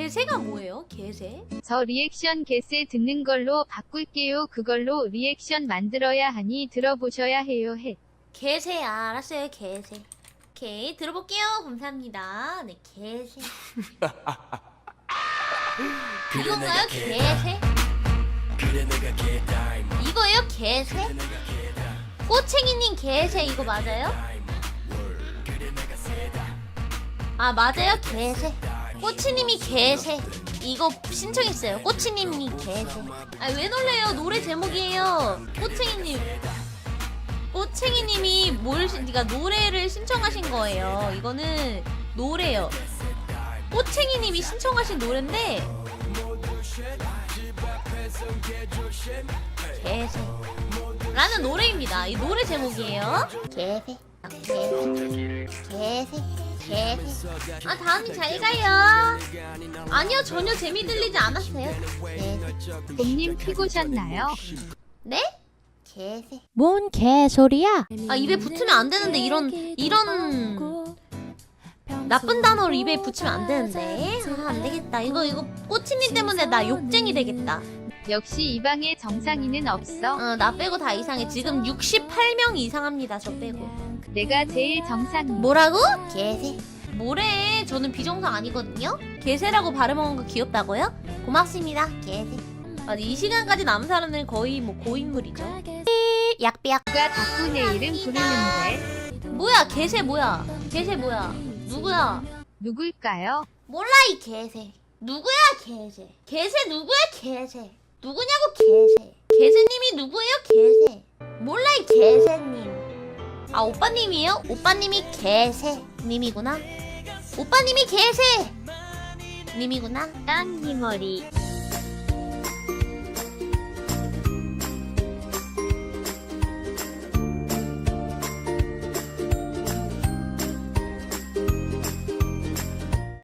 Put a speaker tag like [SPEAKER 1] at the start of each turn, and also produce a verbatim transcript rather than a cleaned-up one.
[SPEAKER 1] 개새가 뭐예요? 개새?
[SPEAKER 2] 저 리액션 개새 듣는 걸로 바꿀게요. 그걸로 리액션 만들어야 하니 들어보셔야 해요. 해.
[SPEAKER 1] 개새 알았어요. 개새. 오케이 들어볼게요. 감사합니다. 네 개새. 이건가요? 개새? 이거예요? 개새? 꼬챙이님 개새 이거 맞아요? 아 맞아요? 개새. 꼬치님이 개새. 이거 신청했어요. 꼬치님이 개새. 아 왜 놀래요? 노래 제목이에요. 꼬챙이님. 꼬챙이님이 뭘, 그러니까 노래를 신청하신 거예요. 이거는 노래요. 꼬챙이님이 신청하신 노래인데 개새 라는 노래입니다. 이 노래 제목이에요. 개새 개새 개새 개새. 아 다음이 잘 가요. 아니요 전혀 재미 들리지 않았어요. 개새.
[SPEAKER 2] 봄님 피고셨나요?
[SPEAKER 1] 네? 개새.
[SPEAKER 3] 뭔 개소리야?
[SPEAKER 1] 아 입에 붙으면 안 되는데 이런 이런 나쁜 단어를 입에 붙이면 안 되는데. 아 안 되겠다. 이거 이거 꼬치님 때문에 나 욕쟁이 되겠다.
[SPEAKER 2] 역시 이 방에 정상이는 없어.
[SPEAKER 1] 어 나 빼고 다 이상해. 지금 육십팔 명 이상합니다. 저 빼고.
[SPEAKER 2] 내가 제일 정상.
[SPEAKER 1] 뭐라고? 개새. 뭐래? 저는 비정상 아니거든요. 개새라고 발음한 거 귀엽다고요? 고맙습니다. 개새. 아니 이 시간까지 남은 사람들은 거의 뭐 고인물이죠. 약비약.
[SPEAKER 2] 누가 자꾸 내 이름 부르는데.
[SPEAKER 1] 뭐야 개새 뭐야? 개새 뭐야? 누구야?
[SPEAKER 2] 누굴까요?
[SPEAKER 1] 몰라 이 개새. 누구야 개새? 개새 누구야 개새? 누구냐고 개새. 개새님이 누구예요 개새? 몰라 이 개새님. 아 오빠님이에요? 오빠님이 개새님이구나. 오빠님이 개새님이구나.
[SPEAKER 2] 딴니 머리.